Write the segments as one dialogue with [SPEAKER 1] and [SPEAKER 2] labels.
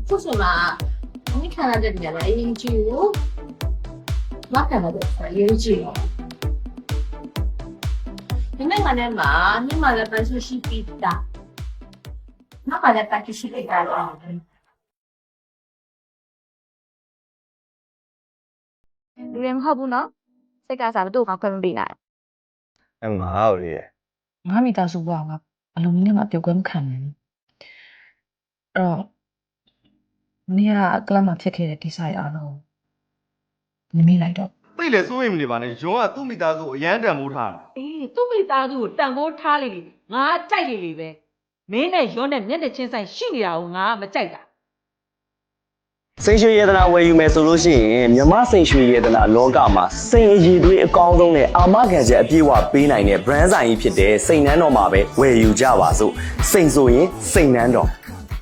[SPEAKER 1] 复什么？你看到这里了，一句，我看到这里一句。你那个呢嘛？你嘛的本身是比大，那嘛的本身是比大的。
[SPEAKER 2] လူတွေမဟုတ်ဘူးနော်စိတ်ကစားဘသူ့ကိုခွင့်မပေးနိုင်
[SPEAKER 3] ငါ့ကိုလေ
[SPEAKER 4] ငါမိသားစုဘွားကဘလုံးနဲ့မှပြုတ်ကွဲမခံနိုင်ဘူးအဲ့တော့မင်းကကလပ်မှာဖြစ်ခဲ့တဲ့ဒီဆိုင်အားလုံးနမိလိုက်တော့
[SPEAKER 3] သိလေစိုးရိမ်နေပါနဲ့ရုံးကသူ့မိသားစုကိုအရန်တန်မိုးထားတာ
[SPEAKER 5] အေးသူ့မိသားစုကိုတန်ဖိုးထားလေငါကြိုက်လေပဲမင်းနဲ့ရွန်းနဲ့မျက်နှာချင်းဆိုင်ရှိနေတာကိုငါမကြိုက်တာ
[SPEAKER 6] စိန်ရွှေရတနာဝယ်ယူမယ်ဆိုလို့ရှိရင်မြမစိန်ရွှေရတနာလောကမှာစိန်အရည်တွေအကောင်းဆုံးနဲ့အာမခံချက်အပြည့်အဝပေးနိုင်တဲ့ brand ဆိုင်ကြီးဖြစ်တဲ့စိန်နန်းတော်မှာပဲဝယ်ယူကြပါစို့စိန်ဆိုရင်စိန်နန်းတော်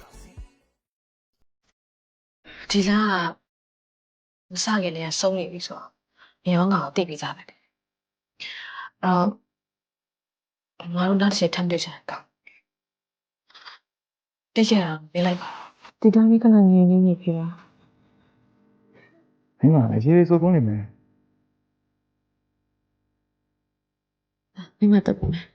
[SPEAKER 4] ဒီလားမစခင်လည်းဆုံးနေပြီဆိုတော့မြေရောငါကိုသိပြီးသားပဲအဲ့တော့ငါတို့နောက်တစ်ချက်ထပ်တွေ့ချင်ကောင်းတိတ်ရအောင်နေလိုက်ပါဒီတိုင်းလေးခဏငြင်းနေပြီလား
[SPEAKER 3] မင်းကလည်းရေးရေးစိုးစိုးနေမယ်
[SPEAKER 4] မိမတက်ပြီ